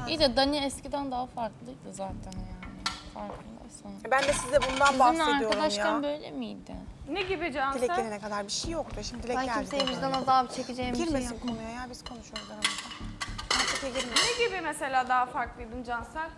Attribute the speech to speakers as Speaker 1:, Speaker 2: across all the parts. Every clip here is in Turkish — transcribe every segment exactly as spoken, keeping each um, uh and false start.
Speaker 1: İyi de Dani eskiden daha farklıydı zaten yani. Farkındaysan.
Speaker 2: Ben de size bundan
Speaker 1: Sizinle
Speaker 2: bahsediyorum
Speaker 1: arkadaşken
Speaker 2: ya.
Speaker 1: böyle miydi?
Speaker 3: Ne gibi Cansel?
Speaker 2: Dilek gelene kadar bir şey yoktu. Şimdi Dilek
Speaker 4: Ben
Speaker 2: geldi.
Speaker 4: kimseye
Speaker 2: de
Speaker 4: vicdan
Speaker 2: böyle.
Speaker 4: azabı çekeceğim bir şey
Speaker 2: Girmesin
Speaker 4: yok.
Speaker 2: konuya ya, biz konuşuyoruz aramızda. Mantıklı girme.
Speaker 3: Ne gibi mesela daha farklıydın Cansel?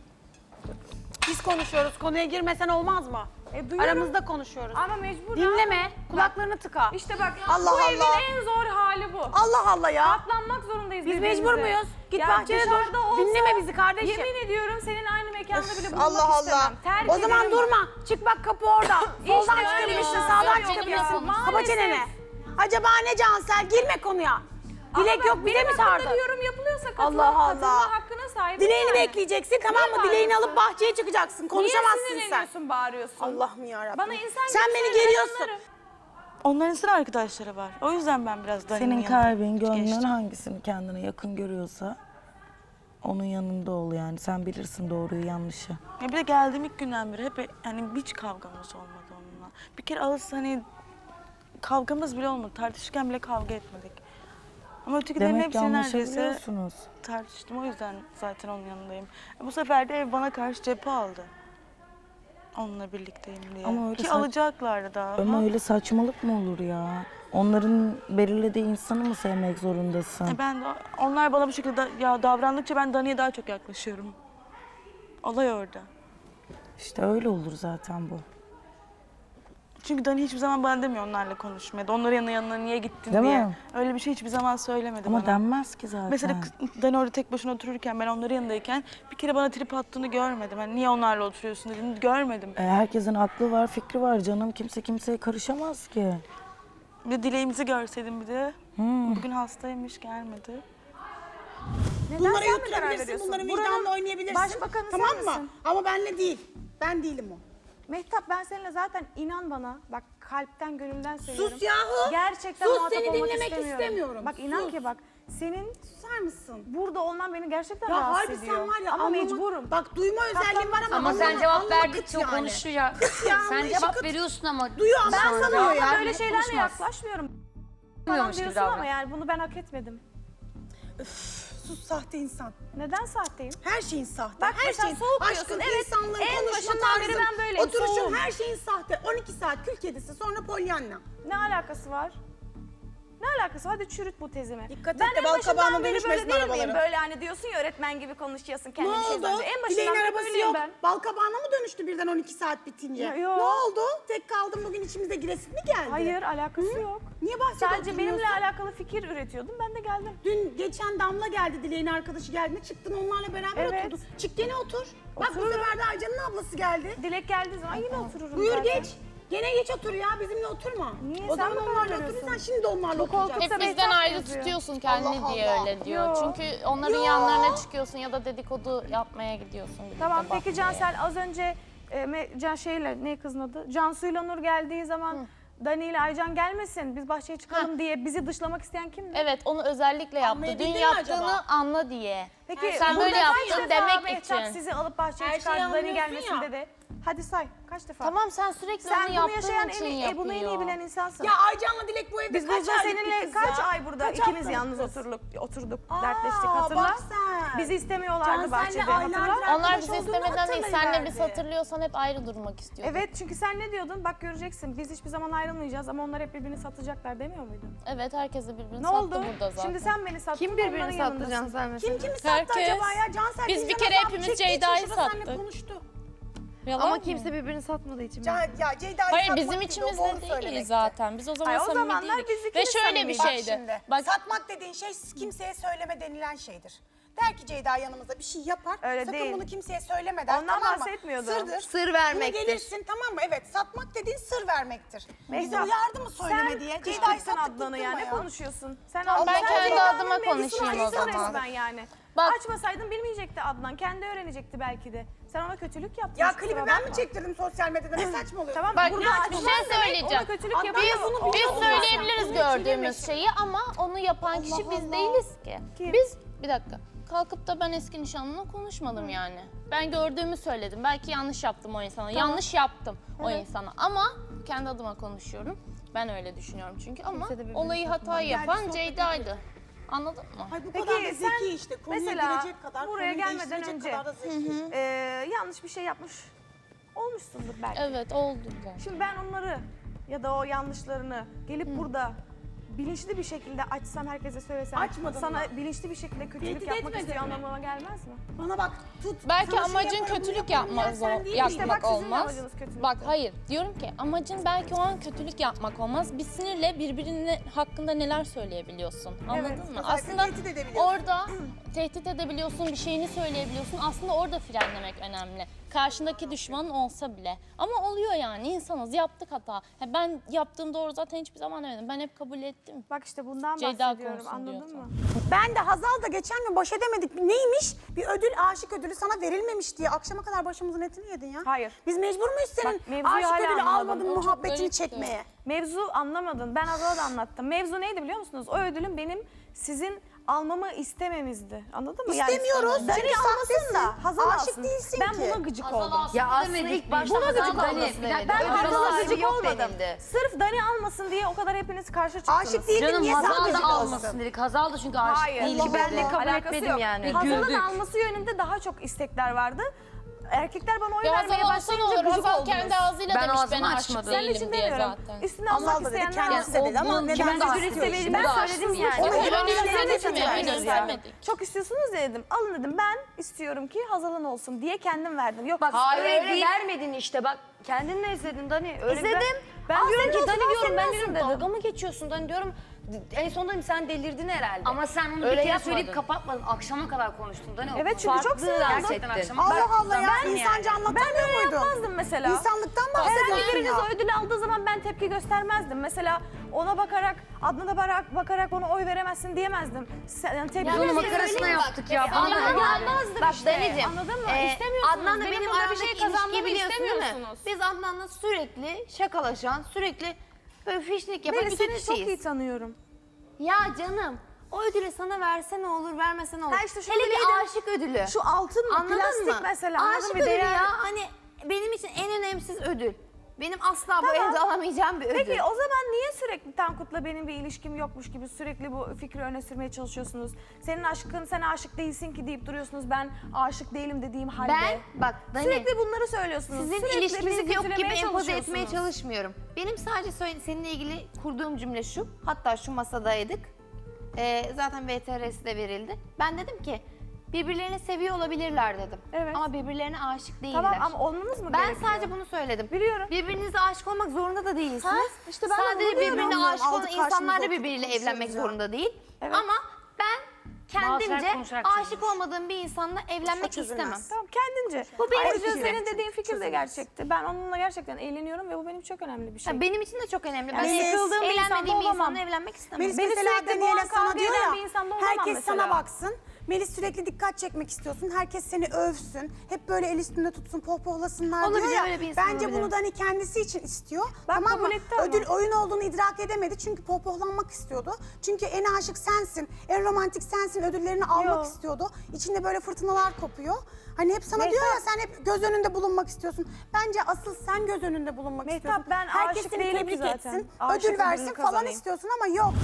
Speaker 2: Biz konuşuyoruz, konuya girmesen olmaz mı?
Speaker 3: E, duyuyorum.
Speaker 2: Aramızda konuşuyoruz.
Speaker 3: Ama mecbur.
Speaker 2: Dinleme, kulaklarını tıka.
Speaker 3: İşte bak
Speaker 2: Allah
Speaker 3: bu
Speaker 2: Allah.
Speaker 3: evin en zor hali bu.
Speaker 2: Allah Allah ya.
Speaker 3: Katlanmak zorundayız
Speaker 2: Biz
Speaker 3: birbirimize.
Speaker 2: mecbur muyuz? Git
Speaker 3: Ya
Speaker 2: bahçeye
Speaker 3: dışarıda
Speaker 2: dur.
Speaker 3: olsa-
Speaker 2: Dinleme bizi kardeşim.
Speaker 3: Yemin ediyorum senin aynı mekanda bile bulunmak
Speaker 2: Allah
Speaker 3: istemem.
Speaker 2: Allah.
Speaker 3: Terk
Speaker 2: O zaman
Speaker 3: ederim.
Speaker 2: durma. Çık bak, kapı orada. Soldan
Speaker 3: öyle
Speaker 2: çıkabilirsin,
Speaker 3: ya.
Speaker 2: sağdan
Speaker 3: Öyle
Speaker 2: çıkabilirsin.
Speaker 3: oluyor.
Speaker 2: Kapa
Speaker 3: Maalesef.
Speaker 2: çeneni. Acaba ne Cansel? Girme konuya.
Speaker 3: Ama
Speaker 2: Dilek
Speaker 3: bak,
Speaker 2: yok, bize
Speaker 3: benim
Speaker 2: mi sardı?
Speaker 3: hakkımda yorum yapılıyorsa katılma,
Speaker 2: Allah Allah.
Speaker 3: katılma hakkına sahibim
Speaker 2: Dileğini
Speaker 3: yani.
Speaker 2: bekleyeceksin, tamam mı?
Speaker 3: Niye
Speaker 2: Dileğini
Speaker 3: bağırıyorsun?
Speaker 2: alıp bahçeye çıkacaksın. Konuşamazsın
Speaker 3: Niye
Speaker 2: sen.
Speaker 3: sinirleniyorsun, bağırıyorsun?
Speaker 2: Allah'ım yarabbim.
Speaker 3: Bana insan
Speaker 2: Sen
Speaker 3: gibi
Speaker 2: beni
Speaker 3: söyle, ben
Speaker 2: geriyorsun.
Speaker 3: anlarım.
Speaker 5: Onların sıra arkadaşları var. O yüzden ben biraz Dani'nin
Speaker 6: Senin
Speaker 5: yanına
Speaker 6: kalbin, gönlün
Speaker 5: geçtim.
Speaker 6: hangisini kendine yakın görüyorsa onun yanında ol yani. Sen bilirsin doğruyu yanlışı.
Speaker 5: Ya bir de geldiğim ilk günden beri hep hani hiç kavgamız olmadı onunla. Bir kere ağız hani kavgamız bile olmadı. Tartışırken bile kavga etmedik. Ama ötekilerin
Speaker 6: Demek ki
Speaker 5: hepsini neredeyse
Speaker 6: anlaşabiliyorsunuz.
Speaker 5: tartıştım. O yüzden zaten onun yanındayım. E bu sefer de ev bana karşı cephe aldı. Onunla birlikteyim diye.
Speaker 6: Ama öyle
Speaker 5: Ki
Speaker 6: saç-
Speaker 5: alacaklardı daha.
Speaker 6: Ama öyle saçmalık mı olur ya? Onların belirlediği insanı mı sevmek zorundasın?
Speaker 5: E ben de, onlar bana bu şekilde da- ya davrandıkça ben Dani'ye daha çok yaklaşıyorum. Olay orada.
Speaker 6: İşte öyle olur zaten bu.
Speaker 5: Çünkü Dani hiçbir zaman bana demiyor onlarla konuşmaya. Onların yanına yanına niye gittin
Speaker 6: Değil
Speaker 5: diye.
Speaker 6: mi?
Speaker 5: Öyle bir şey hiçbir zaman söylemedi
Speaker 6: Ama
Speaker 5: bana.
Speaker 6: denmez ki zaten.
Speaker 5: Mesela kız- Dani orada tek başına otururken ben onların yanındayken bir kere bana trip attığını görmedim. Yani niye onlarla oturuyorsun dediğini görmedim.
Speaker 6: E, herkesin aklı var, fikri var canım. Kimse kimseye karışamaz ki.
Speaker 5: Bir de dileğimizi görseydim bir de.
Speaker 6: Hmm.
Speaker 5: Bugün hastaymış gelmedi.
Speaker 2: Bunlara
Speaker 3: sen mi karar
Speaker 2: yutturabilirsin,
Speaker 3: veriyorsun?
Speaker 2: bunların
Speaker 3: Buranın
Speaker 2: vicdanla oynayabilirsin.
Speaker 3: başbakanı sen
Speaker 2: Tamam mı?
Speaker 3: misin?
Speaker 2: Ama benle değil. Ben değilim o.
Speaker 3: Mehtap ben seninle zaten inan bana bak kalpten gönülden söylüyorum.
Speaker 2: Sus yahu.
Speaker 3: Gerçekten
Speaker 2: Sus,
Speaker 3: muhatap
Speaker 2: seni
Speaker 3: olmak
Speaker 2: dinlemek
Speaker 3: istemiyorum.
Speaker 2: istemiyorum.
Speaker 3: Bak inan
Speaker 2: Sus.
Speaker 3: ki bak senin
Speaker 2: Susar mısın?
Speaker 3: burada olman beni gerçekten
Speaker 2: Ya
Speaker 3: rahatsız
Speaker 2: harbi
Speaker 3: ediyor.
Speaker 2: sen var ya,
Speaker 3: ama
Speaker 2: anlama-
Speaker 3: mecburum.
Speaker 2: Bak duyma özelliğin var ama
Speaker 7: Ama sen
Speaker 2: anlama-
Speaker 7: cevap
Speaker 2: anlama
Speaker 7: verdikçe
Speaker 2: kıt yani.
Speaker 7: konuşuyor ya.
Speaker 2: ya,
Speaker 7: Sen
Speaker 2: anlayışı
Speaker 7: cevap
Speaker 2: kıt.
Speaker 7: veriyorsun ama
Speaker 2: Duyuyor ama
Speaker 3: Ben
Speaker 2: anlamıyor
Speaker 3: sana
Speaker 2: ya.
Speaker 3: böyle şeylerle
Speaker 7: konuşmaz.
Speaker 3: yaklaşmıyorum. Falan
Speaker 7: Bilmiyormuş gibi
Speaker 3: diyorsun
Speaker 7: davran.
Speaker 3: ama yani bunu ben hak etmedim.
Speaker 2: Sus sahte insan.
Speaker 3: Neden sahteyim?
Speaker 2: Her şeyin sahte.
Speaker 3: Bak
Speaker 2: her
Speaker 3: mesela
Speaker 2: şeyin,
Speaker 3: soğuk
Speaker 2: aşkın,
Speaker 3: diyorsun. Evet,
Speaker 2: insanlığın,
Speaker 3: en
Speaker 2: konuşma
Speaker 3: başından beri
Speaker 2: tarzın,
Speaker 3: ben böyleyim,
Speaker 2: oturuşun,
Speaker 3: soğuğum.
Speaker 2: her şeyin sahte. on iki saat kül kedisi, sonra Pollyanna.
Speaker 3: Ne alakası var? Ne alakası var? Hadi çürüt bu tezimi.
Speaker 2: Dikkat et
Speaker 3: ben
Speaker 2: de
Speaker 3: en
Speaker 2: bal
Speaker 3: başından
Speaker 2: kabağına
Speaker 3: beri
Speaker 2: dönüşmesin
Speaker 3: böyle değil miyim?
Speaker 2: arabaları.
Speaker 3: Böyle hani diyorsun ya öğretmen gibi konuşuyorsun
Speaker 2: Ne
Speaker 3: kendi bir şey
Speaker 2: oldu?
Speaker 3: zannediyor. En
Speaker 2: Dileğin
Speaker 3: başından beri
Speaker 2: arabası
Speaker 3: böyleyim
Speaker 2: yok.
Speaker 3: ben.
Speaker 2: Bal kabağına mı dönüştü birden on iki saat bitince?
Speaker 3: Ya, yok.
Speaker 2: Ne oldu? Tek kaldım bugün, içimize giresin mi geldi?
Speaker 3: Hayır alakası yok.
Speaker 2: Niye bahçede
Speaker 3: Sadece
Speaker 2: oturmuyorsun?
Speaker 3: benimle alakalı fikir üretiyordum. Ben de geldim.
Speaker 2: Dün geçen Damla geldi, Dileğin arkadaşı geldiğinde çıktın onlarla beraber
Speaker 3: Evet.
Speaker 2: oturdun. Çık gene otur. Bak bu
Speaker 3: Otururum.
Speaker 2: sefer de Aycan'ın ablası geldi.
Speaker 3: Dilek geldiği zaman yine otururum
Speaker 2: Buyur
Speaker 3: zaten.
Speaker 2: geç. Gene geç otur ya, bizimle oturma.
Speaker 3: Niye?
Speaker 2: O
Speaker 3: Sen
Speaker 2: zaman
Speaker 3: mi karar
Speaker 2: onlarla
Speaker 3: veriyorsun?
Speaker 2: oturursan şimdi de onlarla
Speaker 3: Bu koltuk
Speaker 2: oturacaksın.
Speaker 1: Hep
Speaker 3: Mehtap
Speaker 1: bizden ayrı
Speaker 3: yazıyor.
Speaker 1: tutuyorsun kendini
Speaker 2: Allah
Speaker 1: diye
Speaker 2: Allah.
Speaker 1: öyle diyor.
Speaker 3: Yo.
Speaker 1: Çünkü onların
Speaker 2: Yo.
Speaker 1: yanlarına çıkıyorsun ya da dedikodu yapmaya gidiyorsun. birlikte
Speaker 3: Tamam
Speaker 1: bak
Speaker 3: peki
Speaker 1: diye.
Speaker 3: Cansel az önce e, Me- Can şeyle ne kızın adı? Cansu'yla Nur geldiği zaman Dani ile Aycan gelmesin biz bahçeye çıkalım diye bizi dışlamak isteyen kimdi?
Speaker 1: Evet onu özellikle yaptı. Dün
Speaker 2: Anlayabildin mi
Speaker 1: yaptığını
Speaker 2: acaba?
Speaker 1: anla diye.
Speaker 3: Peki
Speaker 1: sen böyle
Speaker 3: burada kaç
Speaker 1: yaptın
Speaker 3: defa
Speaker 1: demek
Speaker 3: Mehtap
Speaker 1: için.
Speaker 3: sizi alıp bahçeye
Speaker 2: Her şeyi
Speaker 3: çıkardı Dani
Speaker 2: anlıyorsun
Speaker 3: gelmesin
Speaker 2: ya.
Speaker 3: dedi. Hadi say kaç defa?
Speaker 1: Tamam sen sürekli
Speaker 3: Sen
Speaker 1: onu
Speaker 3: bunu
Speaker 1: yaptığın
Speaker 3: yaşayan
Speaker 1: için
Speaker 3: en iyi, e, bunu en iyi
Speaker 1: yapıyor.
Speaker 3: bilen insansın.
Speaker 2: Ya Aycan'la Dilek bu evde
Speaker 3: Biz
Speaker 2: kaç
Speaker 3: burada
Speaker 2: aylık
Speaker 3: seninle
Speaker 2: bir kız
Speaker 3: kaç
Speaker 2: ya?
Speaker 3: ay burada
Speaker 2: Kaç
Speaker 3: ikimiz
Speaker 2: haftalık
Speaker 3: yalnız
Speaker 2: kız?
Speaker 3: oturduk, oturduk,
Speaker 2: Aa,
Speaker 3: dertleştik hatırla.
Speaker 2: bak sen.
Speaker 3: Bizi istemiyorlardı
Speaker 2: Can
Speaker 3: bahçede
Speaker 2: senle aylardır
Speaker 3: hatırla.
Speaker 1: Onlar
Speaker 2: arkadaş
Speaker 1: bizi
Speaker 2: olduğunu
Speaker 1: istemeden değil. Senle biz
Speaker 2: hatırlayıverdi.
Speaker 1: hatırlıyorsan hep ayrı durmak istiyorduk.
Speaker 3: Evet çünkü sen ne diyordun? Bak göreceksin biz hiçbir zaman ayrılmayacağız ama onlar hep birbirini satacaklar demiyor muydun?
Speaker 1: Evet herkes de birbirini
Speaker 3: Ne
Speaker 1: sattı
Speaker 3: oldu?
Speaker 1: burada zaten.
Speaker 3: Şimdi sen beni sattın.
Speaker 4: Kim birbirini
Speaker 3: onların
Speaker 4: sattı
Speaker 3: yanındasın.
Speaker 4: Cansel mesela?
Speaker 2: Kim kimi sattı
Speaker 1: Herkes.
Speaker 2: acaba ya? Cansel
Speaker 1: Biz bir
Speaker 2: vicdan
Speaker 1: kere
Speaker 2: azabı
Speaker 1: hepimiz
Speaker 2: çektiği için
Speaker 1: Ceyda'yı
Speaker 2: şurada seninle
Speaker 1: sattık.
Speaker 2: konuştu.
Speaker 1: Yalan
Speaker 4: Ama
Speaker 1: mı?
Speaker 4: kimse birbirini satmadığı için.
Speaker 2: Can, ya Ceyda'yı
Speaker 1: Hayır
Speaker 2: satmak
Speaker 1: bizim
Speaker 2: değil, o
Speaker 1: içimizde
Speaker 2: doğru
Speaker 1: değil
Speaker 2: söylemekti.
Speaker 1: zaten. Biz o zaman
Speaker 3: Hayır, o
Speaker 1: samimi
Speaker 3: zamanlar
Speaker 1: değildik.
Speaker 3: biz
Speaker 1: Ve
Speaker 3: ikimiz
Speaker 1: şöyle bir
Speaker 3: samimiydik.
Speaker 2: Bak
Speaker 1: şeydi.
Speaker 2: şimdi,
Speaker 1: Bak
Speaker 2: satmak dediğin şey kimseye söyleme denilen şeydir. Der ki Ceyda yanımızda bir şey yapar,
Speaker 3: Öyle
Speaker 2: sakın
Speaker 3: değil.
Speaker 2: bunu kimseye söylemeden,
Speaker 3: Ondan
Speaker 2: tamam mı?
Speaker 3: bahsetmiyordum.
Speaker 2: Sırdır.
Speaker 4: Sır vermektir.
Speaker 2: Buna gelirsin, tamam mı? Evet, satmak dediğin sır vermektir. Bizi
Speaker 3: Mehtap,
Speaker 2: uyardı mı söyleme
Speaker 3: sen
Speaker 2: diye? Ceyda'yı
Speaker 3: kışkırttın
Speaker 2: sattık
Speaker 3: Adnan'ı
Speaker 2: gittin
Speaker 3: ya.
Speaker 2: mi
Speaker 3: Ne
Speaker 2: ya?
Speaker 3: konuşuyorsun? Sen
Speaker 1: Tamam, ben
Speaker 3: sen
Speaker 1: kendi
Speaker 3: Ceyda'nın
Speaker 1: adıma
Speaker 3: mevzusunu
Speaker 1: konuşayım o
Speaker 3: açtın
Speaker 1: zaman.
Speaker 3: resmen yani.
Speaker 1: Bak-
Speaker 3: Açmasaydın bilmeyecekti Adnan. Kendi öğrenecekti belki de. Sen ona kötülük yaptın.
Speaker 2: Ya
Speaker 3: kusura
Speaker 2: klibi ben
Speaker 3: bakma.
Speaker 2: mi çektirdim sosyal medyada? Ne saçmalıyorsun?
Speaker 3: Tamam
Speaker 1: Bak
Speaker 3: burada
Speaker 1: bir
Speaker 3: açman
Speaker 1: şey
Speaker 3: demek
Speaker 1: söyleyeceğim.
Speaker 3: ona kötülük
Speaker 2: Adnan
Speaker 3: yapıyor.
Speaker 2: bunu
Speaker 3: O-
Speaker 1: Biz
Speaker 2: Olmaz.
Speaker 1: söyleyebiliriz
Speaker 2: Bunu
Speaker 1: gördüğümüz
Speaker 2: söylemesin.
Speaker 1: şeyi ama onu yapan kişi
Speaker 2: Allah
Speaker 1: biz
Speaker 2: Allah.
Speaker 1: değiliz ki.
Speaker 3: Kim?
Speaker 1: Biz bir dakika. Kalkıp da ben eski nişanlımla konuşmadım yani. Ben gördüğümü söyledim. Belki yanlış yaptım o insana. Yanlış yaptım o insana. Ama kendi adıma konuşuyorum. Ben öyle düşünüyorum çünkü ama
Speaker 4: Kimse de birbirini
Speaker 1: olayı hata
Speaker 2: Gel bir
Speaker 1: yapan
Speaker 2: sohbet
Speaker 1: Ceyda'ydı. Anladın mı?
Speaker 2: Ay bu
Speaker 3: Peki
Speaker 2: kadar da
Speaker 3: sen
Speaker 2: zeki işte. Konuya
Speaker 3: mesela
Speaker 2: girecek kadar,
Speaker 3: buraya
Speaker 2: konuyu
Speaker 3: gelmeden
Speaker 2: değiştirecek
Speaker 3: önce
Speaker 2: kadar da zeki.
Speaker 3: e, yanlış bir şey yapmış olmuşsundur belki.
Speaker 1: Evet oldu da.
Speaker 3: Şimdi ben onları ya da o yanlışlarını gelip burada bilinçli bir şekilde açsam, herkese söylesem,
Speaker 2: Açmadın
Speaker 3: sana
Speaker 2: mı?
Speaker 3: bilinçli bir şekilde kötülük
Speaker 2: Tehdit
Speaker 3: yapmak
Speaker 2: etmedin
Speaker 3: istiyor
Speaker 2: mi?
Speaker 3: anlamına gelmez mi?
Speaker 2: Bana bak tut.
Speaker 1: Belki
Speaker 2: sana şunu
Speaker 1: amacın
Speaker 2: yaparım, bunu
Speaker 1: kötülük
Speaker 2: yaparım
Speaker 1: yapmaz
Speaker 2: dersen
Speaker 1: o,
Speaker 2: değil.
Speaker 1: yapmak
Speaker 3: İşte bak sizin
Speaker 1: olmaz.
Speaker 3: amacınız kötülük.
Speaker 1: Bak hayır, diyorum ki amacın belki o an kötülük yapmak olmaz. Bir sinirle birbirine hakkında neler söyleyebiliyorsun. Anladın
Speaker 3: Evet,
Speaker 1: mı?
Speaker 2: özellikle
Speaker 1: Aslında
Speaker 2: tehdit edebiliyorsun.
Speaker 1: orada tehdit edebiliyorsun, bir şeyini söyleyebiliyorsun. Aslında orada frenlemek önemli. Karşındaki düşmanın olsa bile. Ama oluyor yani, insanız, yaptık hata. Ya ben yaptığım doğru zaten hiçbir zaman demedim. Ben hep kabul ettim.
Speaker 3: Bak işte bundan
Speaker 1: Ceyda
Speaker 3: bahsediyorum,
Speaker 1: konuşsun
Speaker 3: anladın
Speaker 1: diyorsun.
Speaker 3: mı?
Speaker 2: Ben de Hazal da geçen gün baş edemedik. Neymiş? Bir ödül, aşık ödülü sana verilmemiş diye. Akşama kadar başımızın etini yedin ya.
Speaker 3: Hayır.
Speaker 2: Biz mecbur muyuz senin
Speaker 3: Bak, mevzuyu
Speaker 2: aşık
Speaker 3: hala
Speaker 2: ödülü
Speaker 3: anlamadım.
Speaker 2: almadın
Speaker 1: O çok
Speaker 2: muhabbetini
Speaker 1: garipti.
Speaker 2: çekmeye?
Speaker 3: Mevzu anlamadın. Ben Azal'a da anlattım. Mevzu neydi biliyor musunuz? O ödülün benim sizin almamı istememizdi. Anladın mı?
Speaker 2: İstemiyoruz.
Speaker 3: Yani, Dani
Speaker 2: Çünkü
Speaker 3: almasın
Speaker 2: sahtesin.
Speaker 3: da Hazal
Speaker 2: Aşık
Speaker 3: alsın.
Speaker 2: değilsin
Speaker 3: ben
Speaker 2: ki.
Speaker 3: buna gıcık oldum.
Speaker 7: Ya aslında ilk başta
Speaker 3: Buna gıcık
Speaker 7: Hazal
Speaker 3: oldum.
Speaker 7: Dani demedi.
Speaker 3: Ben
Speaker 7: Ödül
Speaker 3: Hazal'a
Speaker 7: sahibi
Speaker 3: gıcık
Speaker 7: yok
Speaker 3: olmadım.
Speaker 7: denildi.
Speaker 3: Sırf Dani almasın diye o kadar hepiniz karşı çıktınız.
Speaker 2: Aşık değildin,
Speaker 7: Canım
Speaker 2: niye sen
Speaker 7: Hazal
Speaker 2: gıcık
Speaker 7: da
Speaker 2: olsun?
Speaker 7: almasın dedik. Hazal da çünkü aşık
Speaker 3: Hayır.
Speaker 7: değil ki ben de kabul
Speaker 3: Alakası
Speaker 7: etmedim
Speaker 3: yok.
Speaker 7: yani.
Speaker 3: Hazal'ın
Speaker 7: Güldük.
Speaker 3: alması yönünde daha çok istekler vardı. Erkekler bana oy
Speaker 1: Ya
Speaker 3: vermeye
Speaker 1: Hazal olsa ne
Speaker 3: başlayınca
Speaker 1: olur?
Speaker 3: gıcık
Speaker 1: Hazal
Speaker 3: oldunuz.
Speaker 1: kendi ağzıyla
Speaker 7: Ben
Speaker 1: demiş
Speaker 7: ağzımı
Speaker 1: ben aşık
Speaker 7: açmadım.
Speaker 3: Senin için
Speaker 1: değilim diye
Speaker 3: demiyorum.
Speaker 1: zaten.
Speaker 3: Üstüne
Speaker 2: Hazal
Speaker 3: almak
Speaker 2: da dedi,
Speaker 3: isteyenler
Speaker 2: kendisi
Speaker 3: var.
Speaker 2: de dedi ama
Speaker 7: bunu
Speaker 2: neden
Speaker 7: kimin
Speaker 2: de
Speaker 7: de
Speaker 2: istiyor
Speaker 7: istemedim.
Speaker 2: işte?
Speaker 3: Ben
Speaker 7: Bu da
Speaker 3: söyledim
Speaker 7: aşk
Speaker 3: yani.
Speaker 7: yani.
Speaker 2: Onu
Speaker 1: Öyle
Speaker 2: önemsemedik
Speaker 1: önemsemedik mi?
Speaker 2: yani.
Speaker 1: Önemsemedik.
Speaker 3: Çok istiyorsunuz ya dedim. Alın dedim. Ben istiyorum ki Hazal'ın olsun diye kendim verdim. Yok
Speaker 7: Bak
Speaker 3: hayır,
Speaker 7: öyle,
Speaker 3: öyle değil.
Speaker 7: vermedin işte bak. Kendin de izledin Dani. Öyle
Speaker 3: İzledim.
Speaker 7: Ben,
Speaker 3: Al
Speaker 7: ben diyorum
Speaker 3: senin
Speaker 7: ki
Speaker 3: olsun,
Speaker 7: Dani
Speaker 3: al
Speaker 7: diyorum
Speaker 3: senin
Speaker 7: ben
Speaker 3: olsun
Speaker 7: diyorum
Speaker 3: dedim.
Speaker 7: dalga mı geçiyorsun Dani diyorum. En sonunda dedim sen delirdin herhalde.
Speaker 8: Ama sen onu
Speaker 7: Öyle
Speaker 8: bir kere
Speaker 7: yapmadın.
Speaker 8: söyleyip kapatmadın. Akşama kadar konuştun. Dani, o
Speaker 3: Evet,
Speaker 8: konu.
Speaker 3: çünkü çok
Speaker 8: Farklı
Speaker 3: sinirlendim.
Speaker 8: gerçekten
Speaker 7: Bak,
Speaker 8: akşama
Speaker 2: Allah
Speaker 8: kadar
Speaker 2: Allah ya,
Speaker 8: ben
Speaker 2: insanca
Speaker 3: Ben
Speaker 2: anlatamıyor
Speaker 3: böyle
Speaker 2: muydun?
Speaker 3: yapmazdım mesela.
Speaker 2: İnsanlıktan
Speaker 3: Sen
Speaker 2: bahsediyorsun
Speaker 3: biriniz
Speaker 2: ya.
Speaker 3: o ödülü aldığı zaman ben tepki göstermezdim. Mesela ona bakarak, Adnan'a bakarak, bakarak ona oy veremezsin diyemezdim. Sen, yani tepki
Speaker 8: Biz onu
Speaker 3: göstermezdim.
Speaker 8: makarasına yaptık ya.
Speaker 3: Ama
Speaker 8: Vallahi.
Speaker 3: yapmazdım
Speaker 8: Bak
Speaker 3: işte.
Speaker 8: Danicim,
Speaker 3: Anladın mı?
Speaker 8: e,
Speaker 3: İstemiyorsunuz.
Speaker 8: Adnan'la benim,
Speaker 3: bundan bir
Speaker 8: aramdaki
Speaker 3: şey kazanmamı
Speaker 8: ilişkiyi biliyorsun değil mi?
Speaker 3: istemiyorsunuz.
Speaker 8: Biz Adnan'la sürekli şakalaşan, sürekli böyle fişnik yapan
Speaker 3: Beni
Speaker 8: iki
Speaker 3: seni çok iyi
Speaker 8: kişiyiz.
Speaker 3: tanıyorum.
Speaker 8: Ya canım, o ödülü sana verse ne olur, vermese ne olur?
Speaker 3: Ha işte şunu
Speaker 8: Hele ki
Speaker 3: bileydim.
Speaker 8: aşık ödülü.
Speaker 3: Şu altın mı,
Speaker 8: Anladın
Speaker 3: plastik
Speaker 8: mı?
Speaker 3: mesela. anladın
Speaker 8: Aşık
Speaker 3: mı?
Speaker 8: ödülü
Speaker 3: Değer-
Speaker 8: ya, hani benim için en önemsiz ödül. Benim asla bu
Speaker 3: Tamam.
Speaker 8: evde alamayacağım bir ödül.
Speaker 3: Peki o zaman niye sürekli Tankut'la benim bir ilişkim yokmuş gibi sürekli bu fikri öne sürmeye çalışıyorsunuz? Senin aşkın, sen aşık değilsin ki deyip duruyorsunuz. Ben aşık değilim dediğim halde.
Speaker 8: Ben, bak Dani,
Speaker 3: Sürekli bunları söylüyorsunuz.
Speaker 8: sizin
Speaker 3: Sürekli
Speaker 8: ilişkiniz
Speaker 3: beni
Speaker 8: yok gibi
Speaker 3: kötülemeye
Speaker 8: empoze etmeye
Speaker 3: çalışıyorsunuz.
Speaker 8: çalışmıyorum. Benim sadece söyle- seninle ilgili kurduğum cümle şu. Hatta şu masadaydık. Ee, zaten V T R'si de verildi. Ben dedim ki birbirlerini seviyor olabilirler dedim.
Speaker 3: Evet.
Speaker 8: Ama birbirlerine aşık değiller.
Speaker 3: Tamam ama olmanız mı
Speaker 8: ben
Speaker 3: gerekiyor?
Speaker 8: sadece bunu söyledim.
Speaker 3: Biliyorum.
Speaker 8: Birbirinize aşık olmak zorunda da değilsiniz.
Speaker 3: Ha, işte ben de
Speaker 8: sadece
Speaker 3: bunu diyorum.
Speaker 8: birbirine
Speaker 2: Anlıyorum,
Speaker 8: aşık olan
Speaker 2: aldık karşımıza
Speaker 8: insanlar da
Speaker 2: oturup
Speaker 8: birbiriyle
Speaker 2: konuşuyoruz
Speaker 8: evlenmek
Speaker 2: ya.
Speaker 8: zorunda değil.
Speaker 3: Evet.
Speaker 8: Ama ben kendimce
Speaker 7: Bazıları konuşarak
Speaker 8: aşık
Speaker 7: çözülür.
Speaker 8: olmadığım bir insanla evlenmek
Speaker 2: çözülmez.
Speaker 8: istemem.
Speaker 3: Tamam kendince.
Speaker 8: Bu benim
Speaker 3: Ayrıca
Speaker 8: fikrim.
Speaker 3: senin dediğin fikir de
Speaker 2: Çözülmez.
Speaker 3: gerçekti. Ben onunla gerçekten eğleniyorum ve bu benim çok önemli bir şey.
Speaker 8: Ha, benim için de çok önemli. Ben
Speaker 2: Melis,
Speaker 3: sıkıldığım bir insanda
Speaker 8: eğlenmediğim bir
Speaker 3: olamam.
Speaker 8: insanla evlenmek istemem.
Speaker 2: Melis
Speaker 3: Beni
Speaker 2: mesela
Speaker 3: sürekli
Speaker 2: Daniela
Speaker 3: boğan,
Speaker 2: sana
Speaker 3: kavga
Speaker 2: diyor
Speaker 3: eden
Speaker 2: ya,
Speaker 3: bir insanda olamam
Speaker 2: herkes
Speaker 3: mesela.
Speaker 2: sana baksın. Melis sürekli dikkat çekmek istiyorsun. Herkes seni övsün. Hep böyle el üstünde tutsun, pohpohlasınlar
Speaker 8: Olabilir,
Speaker 2: diyor ya.
Speaker 8: öyle bir insan
Speaker 2: Bence
Speaker 8: olabilir.
Speaker 2: bunu Dani kendisi için istiyor.
Speaker 3: Ben
Speaker 2: tamam
Speaker 3: kabul
Speaker 2: mı?
Speaker 3: etti ama.
Speaker 2: Ödül oyun olduğunu idrak edemedi. Çünkü pohpohlanmak istiyordu. Çünkü en aşık sensin. En romantik sensin. Ödüllerini almak
Speaker 3: Yok.
Speaker 2: istiyordu. İçinde böyle fırtınalar kopuyor. Hani hep sana
Speaker 3: Mehtap-
Speaker 2: diyor ya, sen hep göz önünde bulunmak istiyorsun. Bence asıl sen göz önünde bulunmak
Speaker 3: Mehtap,
Speaker 2: istiyorsun.
Speaker 3: ben
Speaker 2: Herkes
Speaker 3: aşık
Speaker 2: seni
Speaker 3: değilim ki
Speaker 2: tebrik
Speaker 3: zaten.
Speaker 2: etsin.
Speaker 3: Aşık
Speaker 2: ödül
Speaker 3: ödülünü
Speaker 2: versin falan
Speaker 3: kazanayım.
Speaker 2: istiyorsun ama yok.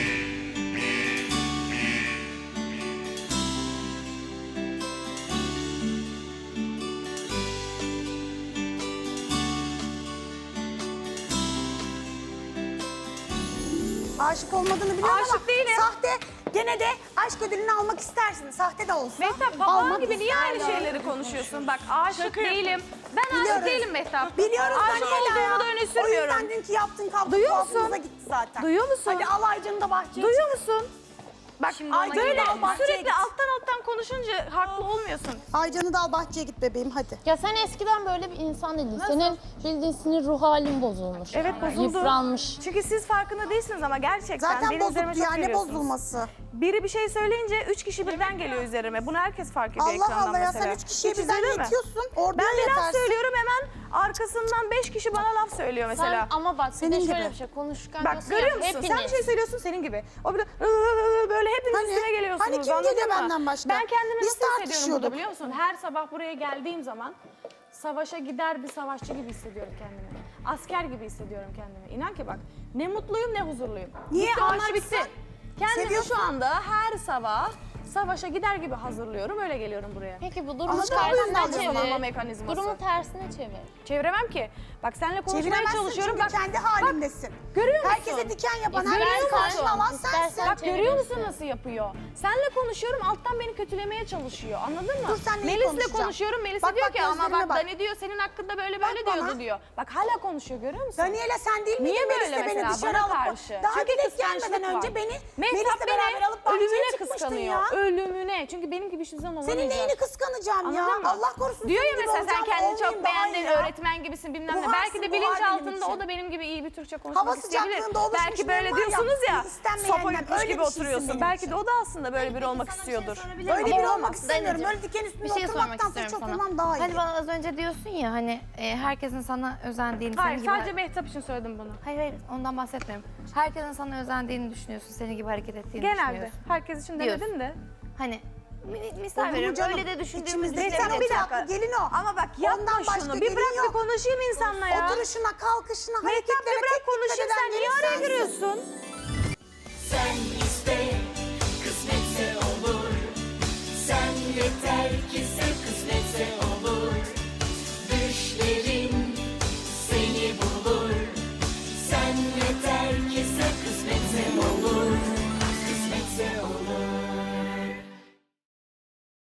Speaker 2: Aşık olmadığını biliyorum
Speaker 3: Aşık
Speaker 2: ama
Speaker 3: değilim.
Speaker 2: sahte gene de aşk ödülünü almak istersin. Sahte de olsa.
Speaker 3: Mehtap babam
Speaker 2: almak
Speaker 3: gibi niye aynı
Speaker 2: istersin.
Speaker 3: şeyleri konuşuyorsun? Bak aşık değilim. Ben
Speaker 2: Biliyoruz.
Speaker 3: aşık değilim Mehtap.
Speaker 2: Biliyoruz
Speaker 3: Aşık
Speaker 2: Daniela ya.
Speaker 3: olduğumu da öne
Speaker 2: O
Speaker 3: sürmüyorum.
Speaker 2: yüzden dünkü yaptığın kavga
Speaker 3: Duyuyor
Speaker 2: tuhafımıza
Speaker 3: musun?
Speaker 2: gitti zaten.
Speaker 3: Duyuyor musun?
Speaker 2: Hadi al Aycan'ı da bahçeye
Speaker 3: Duyuyor musun? Bak
Speaker 2: Aycan'ı
Speaker 3: böyle
Speaker 2: da al bahçeye
Speaker 3: sürekli
Speaker 2: git.
Speaker 3: alttan alttan konuşunca haklı olmuyorsun.
Speaker 2: Aycan'ı da al bahçeye git bebeğim hadi.
Speaker 1: Ya sen eskiden böyle bir insan değildin. Senin bildiğin sinir ruh halin bozulmuş.
Speaker 3: Evet, bozuldu.
Speaker 1: Yıpranmış.
Speaker 3: Çünkü siz farkında değilsiniz ama gerçekten
Speaker 2: Zaten
Speaker 3: benim üzerime
Speaker 2: bozuktu
Speaker 3: çok
Speaker 2: ya, ne
Speaker 3: geliyorsunuz.
Speaker 2: bozulması.
Speaker 3: Biri bir şey söyleyince üç kişi birden geliyor üzerime. Bunu herkes fark ediyor
Speaker 2: Allah
Speaker 3: ekrandan
Speaker 2: Allah ya,
Speaker 3: mesela.
Speaker 2: sen üç kişiye
Speaker 3: Hiç
Speaker 2: birden
Speaker 3: izledin mi?
Speaker 2: yetiyorsun. Orada
Speaker 3: Ben bir laf
Speaker 2: yetersin.
Speaker 3: söylüyorum hemen arkasından beş kişi bana laf söylüyor mesela.
Speaker 1: Sen ama bak bir
Speaker 2: Senin
Speaker 1: de
Speaker 2: gibi.
Speaker 1: şöyle bir şey konuşurken
Speaker 3: Bak
Speaker 1: diyorsun ya,
Speaker 3: görüyor musun?
Speaker 1: hepiniz.
Speaker 3: Sen bir şey söylüyorsun senin gibi. O bir de böyle hepiniz
Speaker 2: Hani-
Speaker 3: üstüne geliyorsunuz.
Speaker 2: hani kim
Speaker 3: anladın
Speaker 2: geliyor
Speaker 3: mı?
Speaker 2: benden başka?
Speaker 3: Ben kendimi
Speaker 2: Biz
Speaker 3: nasıl hissediyorum burada
Speaker 2: tartışıyorduk.
Speaker 3: biliyor musun? Her sabah buraya geldiğim zaman savaşa gider bir savaşçı gibi hissediyorum kendimi. Asker gibi hissediyorum kendimi. İnan ki bak ne mutluyum ne huzurluyum.
Speaker 2: Niye
Speaker 3: Bitti, onlar
Speaker 2: aşıksın?
Speaker 3: bitti. Kendimi
Speaker 2: Seviyorsun.
Speaker 3: şu anda her sabah savaşa gider gibi hazırlıyorum. Öyle geliyorum buraya.
Speaker 1: Peki bu durumu
Speaker 2: Anladın mı? Bu yüzden
Speaker 1: tersine
Speaker 3: zamanlama
Speaker 1: çevir.
Speaker 3: mekanizması.
Speaker 1: Durumu tersine çevir.
Speaker 3: Çeviremem ki. Bak seninle konuşmaya
Speaker 2: Çeviremezsin
Speaker 3: çalışıyorum.
Speaker 2: çünkü
Speaker 3: Bak,
Speaker 2: kendi halindesin.
Speaker 3: görüyor musun?
Speaker 2: Herkese diken yapan,
Speaker 1: İstersen
Speaker 2: herkesi karşına alan
Speaker 1: istersen
Speaker 2: sensin.
Speaker 3: Bak görüyor musun
Speaker 1: çevirirsin.
Speaker 3: nasıl yapıyor? Seninle konuşuyorum alttan beni kötülemeye çalışıyor. Anladın mı?
Speaker 2: Dur, sen neyi
Speaker 3: Melis'le
Speaker 2: konuşacağım?
Speaker 3: konuşuyorum. Melis
Speaker 2: Bak,
Speaker 3: diyor
Speaker 2: bak,
Speaker 3: ki ama
Speaker 2: gözlerime
Speaker 3: bak,
Speaker 2: bak.
Speaker 3: Dani diyor senin hakkında böyle
Speaker 2: Bak
Speaker 3: böyle
Speaker 2: bana.
Speaker 3: diyordu diyor. Bak hala konuşuyor görüyor musun?
Speaker 2: Daniela sen değil
Speaker 3: Niye
Speaker 2: miydin
Speaker 3: böyle
Speaker 2: Melis'le beni
Speaker 3: mesela
Speaker 2: dışarı
Speaker 3: bana
Speaker 2: alıp
Speaker 3: karşı?
Speaker 2: daha
Speaker 3: Çünkü
Speaker 2: Melis
Speaker 3: kıskançlık
Speaker 2: gelmeden önce
Speaker 3: var.
Speaker 2: beni
Speaker 3: Mehtap
Speaker 2: Melis'le beraber
Speaker 3: beni
Speaker 2: alıp bahçeye
Speaker 3: ölümüne
Speaker 2: çıkmıştın
Speaker 3: kıskanıyor.
Speaker 2: ya.
Speaker 3: Ölümüne. Çünkü benim gibi hiçbir zaman
Speaker 2: Senin
Speaker 3: olamayacak.
Speaker 2: neyini kıskanacağım ya?
Speaker 3: Anladın mı?
Speaker 2: Allah korusun.
Speaker 3: Diyor ya
Speaker 2: senin gibi
Speaker 3: mesela sen
Speaker 2: olacağım,
Speaker 3: kendini çok
Speaker 2: olmayayım daha iyi
Speaker 3: beğendin,
Speaker 2: ya.
Speaker 3: öğretmen gibisin bilmem ne.
Speaker 2: Buharsın,
Speaker 3: Belki de
Speaker 2: buhar benim
Speaker 3: bilinçaltında
Speaker 2: için.
Speaker 3: o da benim gibi iyi bir Türkçe konuşmak
Speaker 2: Hava
Speaker 3: isteyebilir.
Speaker 2: sıcaklığında oluşmuş
Speaker 3: Belki
Speaker 2: ne
Speaker 3: böyle
Speaker 2: var ya,
Speaker 3: diyorsunuz ya,
Speaker 2: istenmeyenler,
Speaker 3: sopa yutmuş
Speaker 2: öyle
Speaker 3: gibi
Speaker 2: bir şeysin
Speaker 3: oturuyorsun.
Speaker 2: benim
Speaker 3: Belki
Speaker 2: için.
Speaker 3: de o da aslında böyle biri olmak istiyordur.
Speaker 2: Böyle biri
Speaker 8: Ama
Speaker 2: olmak istemiyorum.
Speaker 8: Danicim,
Speaker 2: Böyle diken üstünde
Speaker 8: Bir şey sormak
Speaker 2: oturmaktansa
Speaker 8: istiyorum
Speaker 2: çok
Speaker 8: sana.
Speaker 2: olmam daha iyi.
Speaker 8: Hani bana az önce diyorsun ya hani e, herkesin sana özendiğini,
Speaker 3: Hayır
Speaker 8: senin gibi...
Speaker 3: sadece Mehtap için söyledim bunu.
Speaker 8: Hayır hayır ondan bahsetmiyorum. Herkesin sana özendiğini düşünüyorsun, senin gibi hareket ettiğini
Speaker 3: Genelde.
Speaker 8: düşünüyorsun.
Speaker 3: Herkes için
Speaker 8: Diyorsun.
Speaker 3: demedim de.
Speaker 8: Hani mi- misal
Speaker 2: Olur mu
Speaker 8: veriyorum
Speaker 2: canım?
Speaker 8: öyle de düşündüğümüz
Speaker 2: İçimizde
Speaker 8: düşünebiliriz.
Speaker 2: sen bir dakika gelin o.
Speaker 3: Ama bak yapma
Speaker 2: Ondan başka
Speaker 3: şunu. Bir
Speaker 2: gelin
Speaker 3: bırak
Speaker 2: yok.
Speaker 3: bir konuşayım insanla ya.
Speaker 2: Oturuşuna, kalkışına,
Speaker 3: Mehtap bir
Speaker 2: hareketlerine
Speaker 3: bırak
Speaker 2: tek dikkat
Speaker 3: konuşayım
Speaker 2: eden
Speaker 3: sen niye
Speaker 2: biri
Speaker 3: araya
Speaker 2: sensin.
Speaker 3: giriyorsun?
Speaker 9: Sen iste, kısmetse olur. Sen yeter ki sev, kısmetse olur.